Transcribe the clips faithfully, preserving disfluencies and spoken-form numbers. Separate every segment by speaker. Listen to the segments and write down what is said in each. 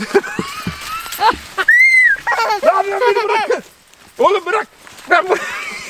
Speaker 1: Ne yapıyorsun, beni bırakın. Oğlum bırak. Ben bu...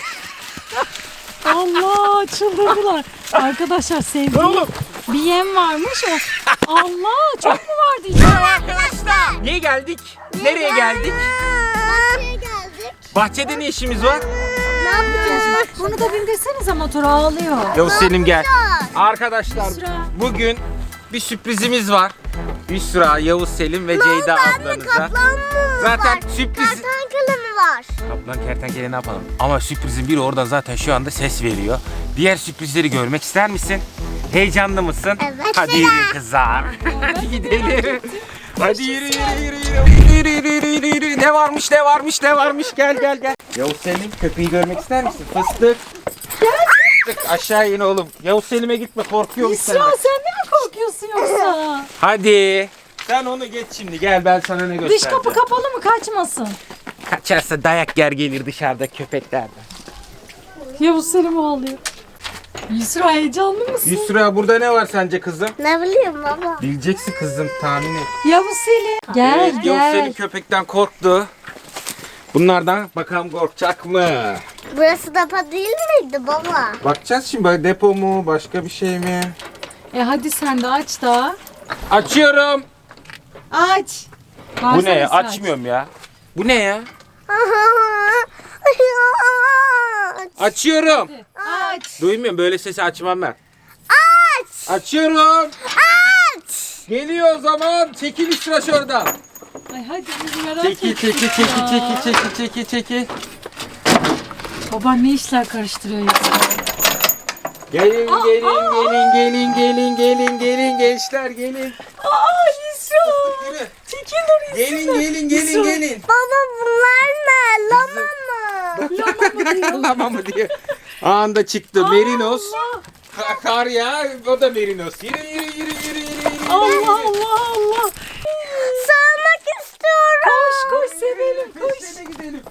Speaker 2: Allah, çıldırdılar. Arkadaşlar sevdiğim
Speaker 1: Oğlum.
Speaker 2: bir yem varmış o. Allah, çok mu vardı içinde?
Speaker 1: Arkadaşlar. Niye geldik? Nereye geldik?
Speaker 3: Bahçeye geldik.
Speaker 1: Bahçede ne işimiz var?
Speaker 3: Ne yapacağız?
Speaker 2: Bunu da bindirsenize, motor ağlıyor.
Speaker 1: Yavuz Selim gel. Arkadaşlar
Speaker 2: Yusra.
Speaker 1: bugün bir sürprizimiz var. Yusra, Yavuz Selim ve Ceyda ablanıza.
Speaker 3: Kaplan mı
Speaker 1: Zaten
Speaker 3: var?
Speaker 1: sürpriz...
Speaker 3: Kertenkele mi var?
Speaker 1: Kaplan kertenkele ne yapalım? Ama sürprizin biri oradan zaten şu anda ses veriyor. Diğer sürprizleri görmek ister misin? Heyecanlı mısın?
Speaker 3: Evet.
Speaker 1: Hadi yürü kızlar. Hadi gidelim. Hadi yürü yürü yürü yürü. Yürü yürü yürü yürü yürü. Ne varmış ne varmış ne varmış, gel gel gel. Yavuz Selim, köpeği görmek ister misin? Fıstık. Fıstık aşağı in oğlum. Yavuz Selim'e gitme, korkuyorum
Speaker 2: Yusra,
Speaker 1: senden.
Speaker 2: sen de mi korkuyorsun yoksa?
Speaker 1: Hadi. Sen onu geç şimdi, gel ben sana ne göstereceğim.
Speaker 2: Dış kapı kapalı mı, kaçmasın?
Speaker 1: Kaçarsa dayak yer gelir dışarıda köpeklerden.
Speaker 2: Yavuz Selim ağlıyor. Yusra, heyecanlı mısın?
Speaker 1: Yusra, burada ne var sence kızım?
Speaker 3: Ne bileyim baba.
Speaker 1: Bileceksin kızım, tahmin et.
Speaker 2: Yavuz Selim. Gel
Speaker 1: Evet, Yavuz Selim
Speaker 2: gel.
Speaker 1: köpekten korktu. Bunlardan bakalım korkacak mı?
Speaker 3: Burası depo değil miydi baba?
Speaker 1: Bakacağız şimdi, böyle depo mu, başka bir şey mi?
Speaker 2: E hadi sen de aç da.
Speaker 1: Açıyorum.
Speaker 2: Aç.
Speaker 1: Bu
Speaker 2: Varsana
Speaker 1: ne ya?
Speaker 2: sen.
Speaker 1: Açmıyorum ya. Bu ne ya? Açıyorum.
Speaker 2: Aç.
Speaker 1: Duymuyorum, böyle sesi açmam ben. Aç. Açıyorum. Aç. Geliyor o zaman. Çekil Yusra şuradan.
Speaker 2: Ay hadi biz merak
Speaker 1: Çekil
Speaker 2: ettik
Speaker 1: çekil
Speaker 2: ya.
Speaker 1: çekil çekil çekil çekil çekil.
Speaker 2: Baban ne işler karıştırıyor Yusra?
Speaker 1: Gelin
Speaker 2: Aa,
Speaker 1: gelin
Speaker 2: aa,
Speaker 1: gelin gelin gelin gelin gelin gençler gelin.
Speaker 2: Aa Yusra.
Speaker 1: Yürü.
Speaker 2: Çekil oraya.
Speaker 1: Gelin gelin gelin
Speaker 2: Yusra.
Speaker 1: gelin.
Speaker 3: Baba bunlar ne? Lama mı?
Speaker 2: Lama mı diyor?
Speaker 1: Lama mı diyor. Anında çıktı Merinos.
Speaker 2: Allah.
Speaker 1: Ka- Kar ya, o da Merinos. Yürü yürü yürü yürü yürü.
Speaker 2: Allah Allah Allah.
Speaker 3: Sağmak istiyorum.
Speaker 2: Koş koş sevelim koş.
Speaker 1: Peşine gidelim.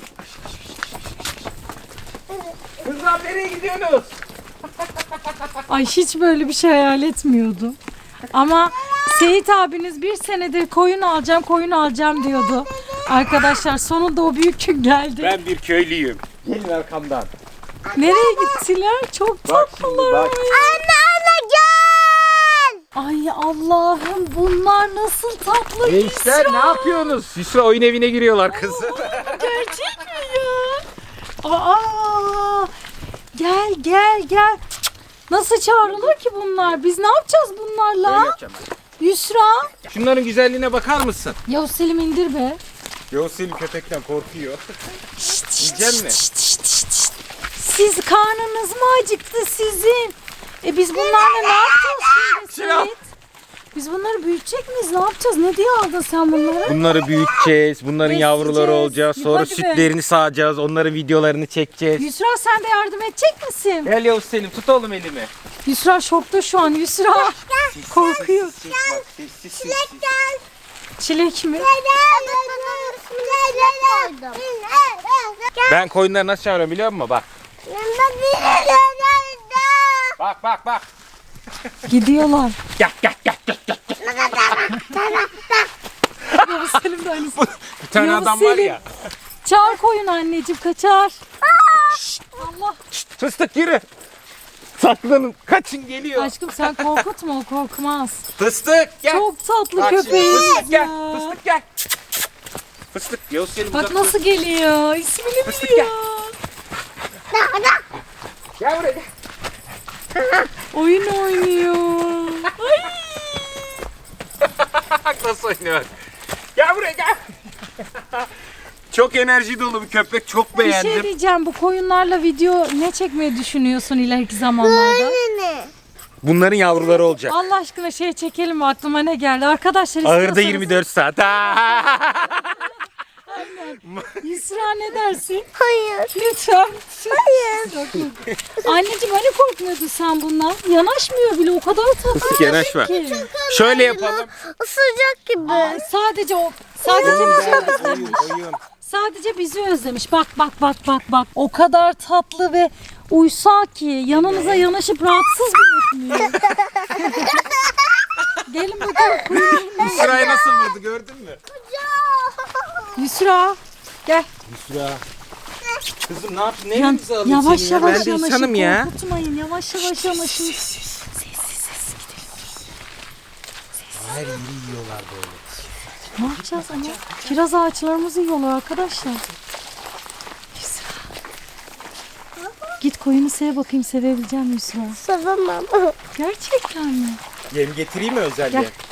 Speaker 1: Kızlar nereye gidiyorsunuz?
Speaker 2: Ay hiç böyle bir şey hayal etmiyordum. Ama Seyit abiniz bir senedir koyun alacağım koyun alacağım diyordu. Arkadaşlar sonunda o büyük gün geldi.
Speaker 1: Ben bir köylüyüm. Gelin arkamdan.
Speaker 2: Nereye gittiler? Çok
Speaker 1: Bak şimdi,
Speaker 2: tatlılar.
Speaker 1: bak.
Speaker 3: Anne anne gel.
Speaker 2: Ay Allah'ım bunlar nasıl tatlı
Speaker 1: Gençler
Speaker 2: Yusra.
Speaker 1: ne yapıyorsunuz? Yusra oyun evine giriyorlar kızı.
Speaker 2: Gerçek mi ya? Aa, gel gel gel. Nasıl çağrılır ki bunlar? Biz ne yapacağız bunlarla? Yusra.
Speaker 1: Şunların güzelliğine bakar mısın?
Speaker 2: Yavuz Selim indir be.
Speaker 1: Yavuz Selim köpekten korkuyor.
Speaker 2: Şşt, şşt,
Speaker 1: Yiyecek mi?
Speaker 2: şşt, şşt, şşt, şşt. Siz karnınız mı acıktı sizin? E biz bunlarla ne yapacağız şimdi
Speaker 1: Silah.
Speaker 2: Seyit? Biz bunları büyütecek miyiz? Ne yapacağız? Ne diye aldın sen bunları?
Speaker 1: Bunları büyüteceğiz. Bunların
Speaker 2: Besleyeceğiz.
Speaker 1: yavruları olacağız. Sonra
Speaker 2: Hadi be.
Speaker 1: sütlerini sağacağız. Onların videolarını çekeceğiz.
Speaker 2: Yusra sen de yardım edecek misin?
Speaker 1: Gel Yavuz Selim, tut oğlum elimi.
Speaker 2: Yusra şokta şu an. Yusra korkuyor.
Speaker 1: Sessiz bak, sessiz sessiz.
Speaker 2: Çilek mi?
Speaker 1: Ben koyunları nasıl çağırıyorum biliyor musun? Bak. Bak bak bak.
Speaker 2: Gidiyorlar.
Speaker 1: Gel gel gel gel. gel.
Speaker 2: Yavuz Selim de aynısı.
Speaker 1: Bir tane
Speaker 2: Yavuz
Speaker 1: adam var
Speaker 2: Selim.
Speaker 1: ya.
Speaker 2: Çağır koyun anneciğim kaçar. Şşt, Allah.
Speaker 1: Fıstık yürü. Saklanın, kaçın geliyor.
Speaker 2: Aşkım sen korkutma o korkmaz.
Speaker 1: Fıstık gel.
Speaker 2: Çok tatlı
Speaker 1: Bak şimdi,
Speaker 2: köpeğiz
Speaker 1: Fıstık gel.
Speaker 2: ya.
Speaker 1: Fıstık gel. Fıstık Yavuz Selim
Speaker 2: Bak
Speaker 1: uzak
Speaker 2: nasıl
Speaker 1: dur.
Speaker 2: geliyor. İsmini
Speaker 1: Fıstık
Speaker 2: biliyor.
Speaker 1: Gel buraya gel.
Speaker 2: Oyun oynuyor. Ay.
Speaker 1: Nasıl oynuyor? Gel buraya gel. Çok enerji dolu bir köpek. Çok
Speaker 2: Bir
Speaker 1: beğendim.
Speaker 2: şey diyeceğim. Bu koyunlarla video ne çekmeyi düşünüyorsun ileriki zamanlarda?
Speaker 1: Bunların yavruları olacak.
Speaker 2: Allah aşkına şey çekelim mi? Aklıma ne geldi? Arkadaşlar
Speaker 1: Ağırda
Speaker 2: istiyorsanız-
Speaker 1: yirmi dört saat.
Speaker 2: Yusra ne dersin?
Speaker 3: Hayır.
Speaker 2: Lütfen.
Speaker 3: Hayır.
Speaker 2: Anneciğim hani korkmuyordun sen bundan? Yanaşmıyor bile o kadar tatlı
Speaker 1: Yanaşma.
Speaker 2: ki.
Speaker 1: Şöyle yapalım.
Speaker 3: Isıracak gibi.
Speaker 2: Aa, sadece o sadece bizi özlemiş.
Speaker 1: Oyun, oyun.
Speaker 2: Sadece bizi özlemiş. Bak bak bak bak bak. O kadar tatlı ve uysal ki yanınıza yanaşıp rahatsız bile etmiyor. Gelin bakalım. Kuyruğunu-
Speaker 1: Yusra'ya nasıl vurdu gördün mü?
Speaker 2: Yusra. Gel.
Speaker 1: Yusra. Kızım ne yaptın?
Speaker 2: Yan-
Speaker 1: Neremizi alayım
Speaker 2: yavaş
Speaker 1: seni ya?
Speaker 2: yavaş
Speaker 1: Ben de
Speaker 2: yanaşın.
Speaker 1: insanım ya.
Speaker 2: Korkutmayın. Yavaş yavaş yanaşın.
Speaker 1: Her yeri yiyorlar böyle.
Speaker 2: Ne yapacağız ama? Kiraz ağaçlarımızı yiyorlar arkadaşlar. Yusra. Git koyunu sev bakayım, sevebileceğim Yusra.
Speaker 3: Sevemem.
Speaker 2: Gerçekten mi?
Speaker 1: Yem getireyim mi özelliğe?
Speaker 2: Gel.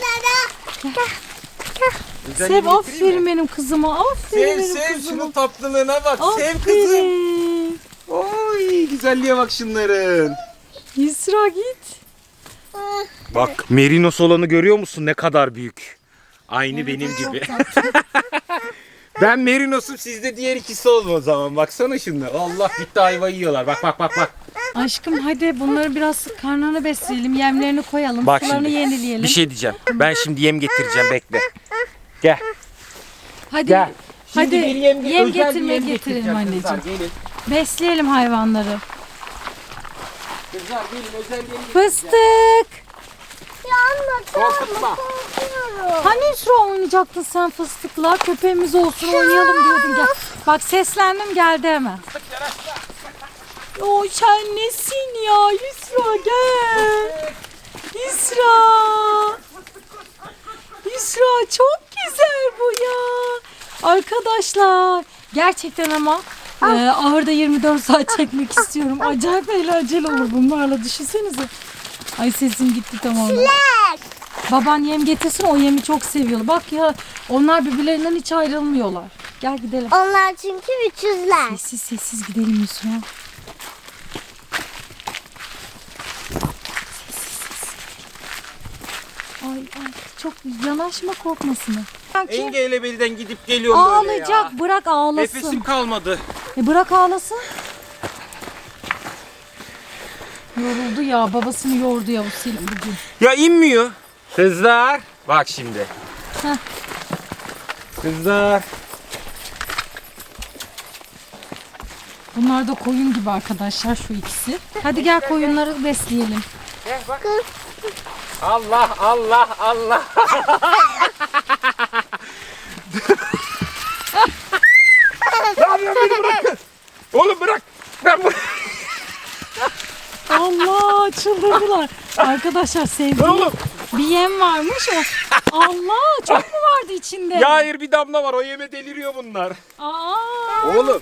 Speaker 1: Özel
Speaker 2: Sev,
Speaker 1: yem getireyim
Speaker 2: aferin
Speaker 1: mi?
Speaker 2: benim kızıma. Aferin
Speaker 1: Sev
Speaker 2: benim
Speaker 1: sev
Speaker 2: kızıma.
Speaker 1: şunun tatlılığına bak. Sev kızım.
Speaker 2: Aferin.
Speaker 1: Oy güzelliğe bak şunların.
Speaker 2: Yusra git.
Speaker 1: Bak merinos olanı görüyor musun ne kadar büyük. Aynı benim gibi. Ben merinosum, siz de diğer ikisi olun o zaman. Baksana şunlar. Allah bitti ayva yiyorlar. Bak bak bak bak.
Speaker 2: Aşkım hadi bunları biraz karnını besleyelim. Yemlerini koyalım.
Speaker 1: Bak
Speaker 2: Sularını
Speaker 1: şimdi,
Speaker 2: yenileyelim.
Speaker 1: Bir şey diyeceğim. Ben şimdi yem getireceğim, bekle. Gel.
Speaker 2: Hadi.
Speaker 1: Gel. Şimdi
Speaker 2: Hadi
Speaker 1: bir yem,
Speaker 2: yem
Speaker 1: özel bir
Speaker 2: getirme
Speaker 1: yem
Speaker 2: getirelim
Speaker 1: getireceğim
Speaker 2: anneciğim.
Speaker 1: Kızlar gelin.
Speaker 2: Besleyelim hayvanları.
Speaker 1: Kızlar gelin özel yem getireceğim.
Speaker 2: Fıstık.
Speaker 1: Korkutma.
Speaker 2: Hani Yusra oynayacaktın sen fıstıkla? Köpeğimiz olsun oynayalım diyordun. Gel. Bak seslendim geldi hemen. O sen nesin ya Yusra gel. Yusra. Yusra çok güzel bu ya. Arkadaşlar gerçekten ama e, ahırda yirmi dört saat çekmek istiyorum. Acayip eğlenceli olur bunlarla, düşünsenize. Ay sesim gitti tamamen. Baban yem getirsin, o yemi çok seviyorlar. Bak ya onlar birbirlerinden hiç ayrılmıyorlar. Gel gidelim.
Speaker 3: Onlar çünkü üçüzler.
Speaker 2: Sessiz sessiz gidelim Yusra. Ay ay çok yanaşma, korkmasın. Sanki
Speaker 1: Engeyle belden gidip geliyorum böyle ya.
Speaker 2: ağlayacak, bırak ağlasın.
Speaker 1: Nefesim kalmadı.
Speaker 2: E bırak ağlasın. Yoruldu ya, babasını yordu ya bu Selim bugün.
Speaker 1: Ya inmiyor. Kızlar. Bak şimdi.
Speaker 2: Heh.
Speaker 1: Kızlar.
Speaker 2: Bunlar da koyun gibi arkadaşlar, şu ikisi. Hadi gel koyunları besleyelim.
Speaker 1: Gel bak. Allah Allah Allah. Ne yapıyorsun, beni bırakın. Oğlum bırak. Ben bu...
Speaker 2: Allah çıldırdılar. Arkadaşlar sevdiğim
Speaker 1: Oğlum.
Speaker 2: bir yem varmış o. Allah çok mu vardı içinde?
Speaker 1: Ya hayır, bir damla var, o yeme deliriyor bunlar.
Speaker 2: Aa,
Speaker 1: Oğlum.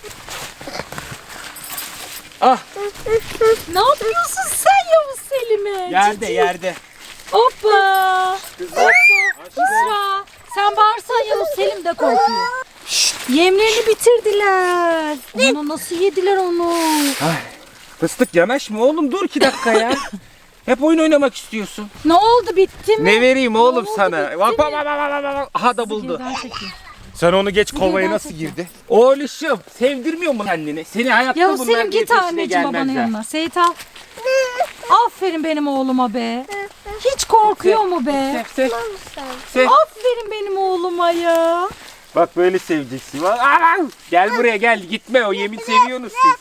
Speaker 1: Ah
Speaker 2: ne yapıyorsun sen Yavuz Selim'e?
Speaker 1: yerde
Speaker 2: Cici.
Speaker 1: yerde.
Speaker 2: Hoppa.
Speaker 1: Kızlar.
Speaker 2: Yusra. Sen bağırsan Yavuz Selim de korkuyor. Yemlerini bitirdiler. Onu nasıl yediler onu?
Speaker 1: Ay, fıstık yanaşma oğlum, dur iki dakika ya. Hep oyun oynamak istiyorsun.
Speaker 2: Ne oldu, bitti mi?
Speaker 1: Ne vereyim oğlum
Speaker 2: oldu,
Speaker 1: sana?
Speaker 2: bitti
Speaker 1: Bak bak
Speaker 2: mi?
Speaker 1: bak bak bak bak. Aha da buldu.
Speaker 2: Geriden çekeyim.
Speaker 1: Sen onu geç, kovaya
Speaker 2: Geriden
Speaker 1: nasıl
Speaker 2: çekeyim.
Speaker 1: girdi? Oğluşum sevdirmiyor mu kendini? Seni hayatta
Speaker 2: Yavuz
Speaker 1: bunlar
Speaker 2: Selim
Speaker 1: diye
Speaker 2: git
Speaker 1: peşine
Speaker 2: anneciğim babanın
Speaker 1: gelmezler.
Speaker 2: yanına. Seyit al. Aferin benim oğluma be. Hiç korkuyor mu be?
Speaker 1: Sev, sev, sev.
Speaker 2: Aferin benim oğluma ya.
Speaker 1: Bak böyle seveceksin. Bak, aa! Gel buraya gel, gitme, o yemi seviyorsunuz siz.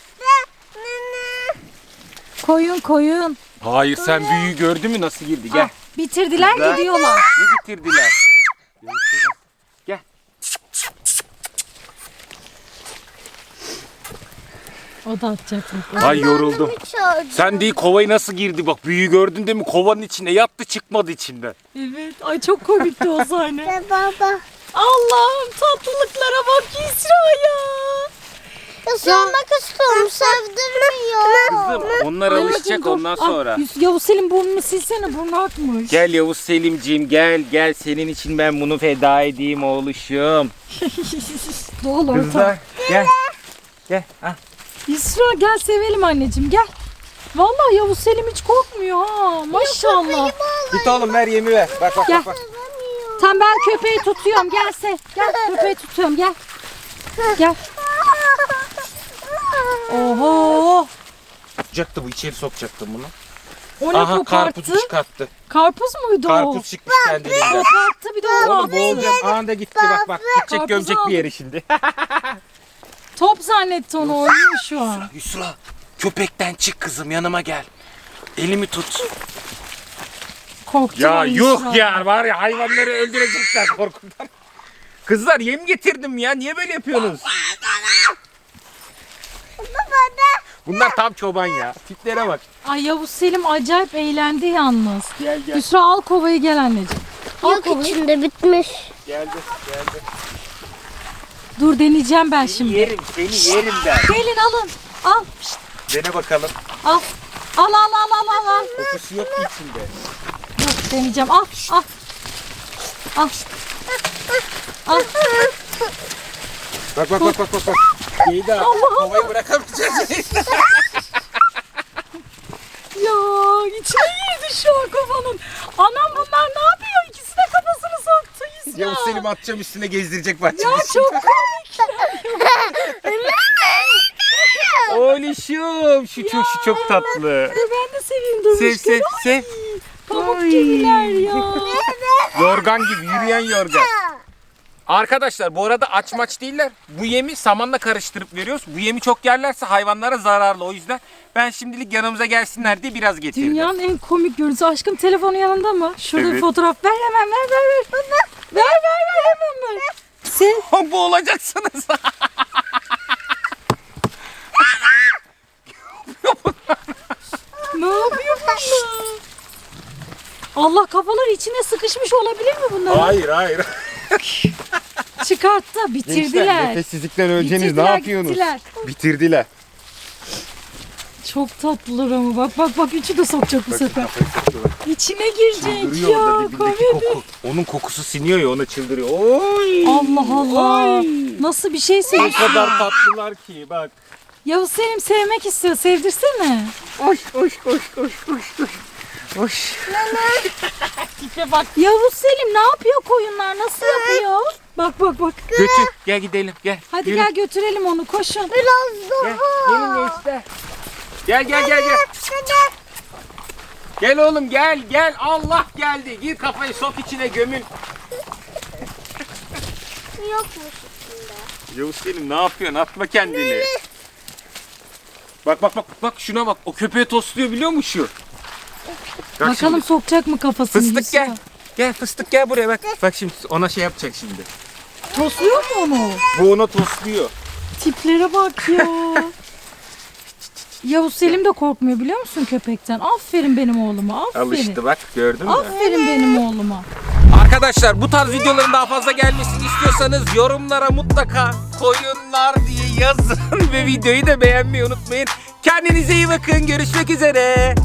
Speaker 2: Koyun koyun.
Speaker 1: Hayır, sen büyüğü gördün mü nasıl girdi? Gel.
Speaker 2: Ah, bitirdiler
Speaker 1: Güzel.
Speaker 2: gidiyorlar.
Speaker 1: Ne bitirdiler? Gel.
Speaker 2: O da atacak.
Speaker 1: Ay yoruldum. Sen değil, kovayı nasıl girdi bak, büyüğü gördün değil mi? Kovanın içine yattı, çıkmadı içinden.
Speaker 2: Evet. Ay çok komikti o sahne.
Speaker 3: Ve baba.
Speaker 2: Allah'ım tatlılıklara bak Yusra ya.
Speaker 3: Isırmak istiyorum. Sevdirmiyor.
Speaker 1: Kızım onlar alışacak
Speaker 2: dur.
Speaker 1: ondan sonra.
Speaker 2: Ah, Yus- Yavuz Selim burnunu silsene, burnu akmış.
Speaker 1: Gel Yavuz Selimciğim, gel gel, senin için ben bunu feda edeyim oğluşum.
Speaker 2: Dolu ortam.
Speaker 1: Kızlar gel. Gel. Ah.
Speaker 2: Yusra gel sevelim anneciğim, gel. Vallahi Yavuz Selim hiç korkmuyor ha. Maşallah.
Speaker 1: Git oğlum, ver yemi ver. Bak bak
Speaker 2: Gel.
Speaker 1: bak. bak.
Speaker 2: Tamam ben köpeği tutuyorum, gel sev. Gel köpeği tutuyorum, gel. Gel. Oho.
Speaker 1: Sokacaktı bu, içeri sokacaktım bunu.
Speaker 2: O ne
Speaker 1: Aha,
Speaker 2: koparttı?
Speaker 1: karpuzu çıkarttı.
Speaker 2: Karpuz muydu o?
Speaker 1: Karpuz çıkmış kendiliğinden.
Speaker 2: Koparttı bir de onu
Speaker 1: Oğlum
Speaker 2: attı.
Speaker 1: boğulacak, anında gitti bak bak. Gidecek,
Speaker 2: Karpuzu
Speaker 1: gömecek bir
Speaker 2: aldım.
Speaker 1: yere şimdi.
Speaker 2: Top zannetti onu, oynuyor şu an.
Speaker 1: Yusra, köpekten çık kızım, yanıma gel. Elimi tut.
Speaker 2: Korktum.
Speaker 1: Ya
Speaker 2: ay
Speaker 1: yuh
Speaker 2: Yusra.
Speaker 1: ya, var ya, hayvanları öldürecekler korkudan. Kızlar yem getirdim ya, niye böyle yapıyorsunuz? Bunlar tam çoban ya. Tiplere bak.
Speaker 2: Ay Yavuz Selim acayip eğlendi yalnız.
Speaker 1: Gel gel.
Speaker 2: Yusra al kovayı gel anneciğim. Al
Speaker 3: Yok
Speaker 2: kovayı.
Speaker 3: içinde bitmiş.
Speaker 1: Geldi geldi.
Speaker 2: Dur deneyeceğim ben
Speaker 1: Seni
Speaker 2: şimdi.
Speaker 1: yerim, seni yerim ben.
Speaker 2: Gelin alın. Al. Şşt,
Speaker 1: Dene bakalım.
Speaker 2: al. Al al al al al. al.
Speaker 1: Kokusu yok ki içinde.
Speaker 2: Dur deneyeceğim. Al al. Al. Al.
Speaker 1: Bak bak bak bak bak. bak. İyi de havayı bırakamayacağız.
Speaker 2: Ya içine girdi şu an kafanın. Anam bunlar ne yapıyor? İkisi de kafasını soktu Yusra.
Speaker 1: Yavuz Selim atacağım üstüne gezdirecek bahçemizi.
Speaker 2: Ya çok komik.
Speaker 1: Oğluşum, şu çok şu çok tatlı.
Speaker 2: Dur ben de seveyim dur.
Speaker 1: Sev sev sev.
Speaker 2: Pamuk gibiler ya.
Speaker 1: Yorgan gibi, yürüyen yorgan. Arkadaşlar bu arada aç maç değiller. Bu yemi samanla karıştırıp veriyoruz. Bu yemi çok yerlerse hayvanlara zararlı. O yüzden ben şimdilik yanımıza gelsinler diye biraz getirdim.
Speaker 2: Dünyanın en komik görüntüsü. Aşkım telefonu yanında mı? Şurada bir
Speaker 1: Evet.
Speaker 2: fotoğraf ver hemen ver ver ver. Ver ver ver hemen ver. Sev.
Speaker 1: Bu olacaksınız.
Speaker 2: Ne yapıyor bunlar? Allah kafalar içine sıkışmış olabilir mi bunlar?
Speaker 1: Hayır hayır.
Speaker 2: Çıkarttı. Bitirdiler.
Speaker 1: nefessizlikten öleceğiniz ne
Speaker 2: Bitirdiler,
Speaker 1: yapıyorsunuz?
Speaker 2: gittiler.
Speaker 1: Bitirdiler.
Speaker 2: Çok tatlılar ama bak bak bak üçü de sokacak bu sefer. İçine girecek
Speaker 1: Çıldırıyor
Speaker 2: ya
Speaker 1: orada dibindeki
Speaker 2: komedi.
Speaker 1: koku. Onun kokusu siniyor ya, ona çıldırıyor. Oy.
Speaker 2: Allah Allah.
Speaker 1: Oy.
Speaker 2: Nasıl bir şey
Speaker 1: Ne
Speaker 2: seviyorsun?
Speaker 1: kadar tatlılar ki bak.
Speaker 2: Yavuz Selim sevmek istiyor. Sevdirsene.
Speaker 1: Koş koş koş koş koş koş. Koş.
Speaker 2: Tipe bak. Yavuz Selim ne yapıyor koyunlar? Nasıl yapıyor? Bak bak bak.
Speaker 1: Götür. Gel gidelim gel.
Speaker 2: Hadi
Speaker 1: Yürü.
Speaker 2: gel götürelim onu koşun.
Speaker 3: Biraz
Speaker 1: Gel.
Speaker 3: daha.
Speaker 1: Gelin gençler. Gel gel gel gel. Gel oğlum gel gel. Allah geldi. Gir kafayı sok içine gömül.
Speaker 3: Yokmuş.
Speaker 1: Yavuz Selim ne yapıyorsun? Atma kendini. Bak bak bak bak şuna bak. O köpeği tosluyor biliyor musun şu? Bak
Speaker 2: Bakalım
Speaker 1: şimdi.
Speaker 2: sokacak mı kafasını?
Speaker 1: Fıstık
Speaker 2: Yusra?
Speaker 1: gel. Gel fıstık gel buraya bak. Bak şimdi ona şey yapacak şimdi.
Speaker 2: Tosluyor mu onu?
Speaker 1: Bu ona tosluyor.
Speaker 2: Tiplere bak ya. Yavuz Selim de korkmuyor biliyor musun köpekten? Aferin benim oğluma. Aferin.
Speaker 1: Alıştı bak gördün mü?
Speaker 2: Aferin benim oğluma.
Speaker 1: Arkadaşlar bu tarz videoların daha fazla gelmesini istiyorsanız yorumlara mutlaka koyunlar diye yazın ve videoyu da beğenmeyi unutmayın. Kendinize iyi bakın. Görüşmek üzere.